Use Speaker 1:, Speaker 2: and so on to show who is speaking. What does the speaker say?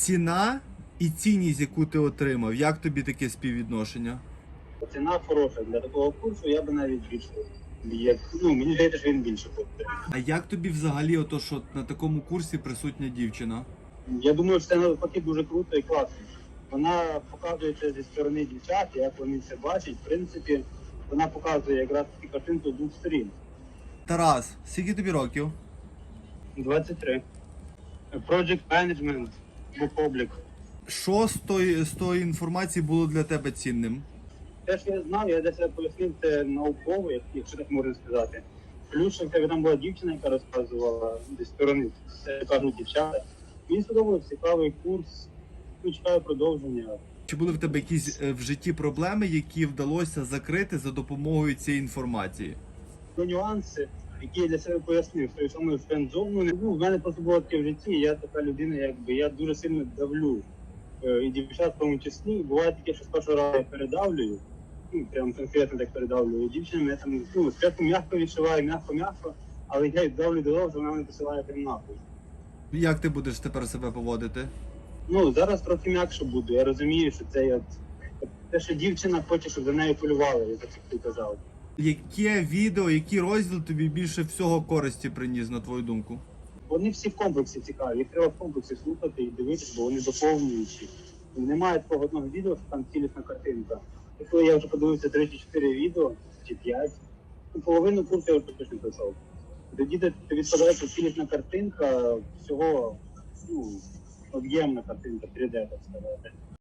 Speaker 1: Ціна і цінність, яку ти отримав, як тобі таке співвідношення?
Speaker 2: Ціна хороша для такого курсу, я би навіть більше. Мені здається, що він більше коштує.
Speaker 1: А як тобі взагалі ото, що на такому курсі присутня дівчина?
Speaker 2: Я думаю, що це навпаки дуже круто і класно. Вона показує це зі сторони дівчат, як вони це бачать. В принципі, вона показує якраз таку картинку з двох сторін.
Speaker 1: Тарас, скільки тобі років?
Speaker 2: 23. Project Management, Book
Speaker 1: Що з тої інформації було для тебе цінним?
Speaker 2: Те, що я знав, я для себе пояснив, це науково, якщо так можна сказати. Плюс, що в тебе там була дівчина, яка розказувала зі сторони, це кажуть дівчата. Мені сподобався цікавий курс, чекаю продовження.
Speaker 1: Чи були в тебе якісь в житті проблеми, які вдалося закрити за допомогою цієї інформації?
Speaker 2: Нюанси, які я для себе пояснив, що саме френдзону не був. У мене просто було таке в житті, я така людина, я дуже сильно давлю. І дівчат в тому числі. Буває таке, що з першого разу я передавлюю, прям конкретно так передавлюю. Дівчина мене там, спочатку м'яко відшиваю, м'яко, але я давлю до того, що вона мене посилає прям нахуй.
Speaker 1: Як ти будеш тепер себе поводити?
Speaker 2: Зараз трохи м'якше буду. Я розумію, що це те, що дівчина хоче, щоб за нею полювали, як ти казав.
Speaker 1: Яке відео, який розділ тобі більше всього користі приніс, на твою думку?
Speaker 2: Вони всі в комплексі цікаві, їх треба в комплексі слухати і дивитися, бо вони доповнюючі. Немає такого одного відео, що там цілісна картинка. І коли я вже подивився 3 чи 4 відео, чи 5, половину курсу я вже точно пройшов. Тоді тобі складається цілісна картинка, всього, об'ємна картинка, 3D, так сказати.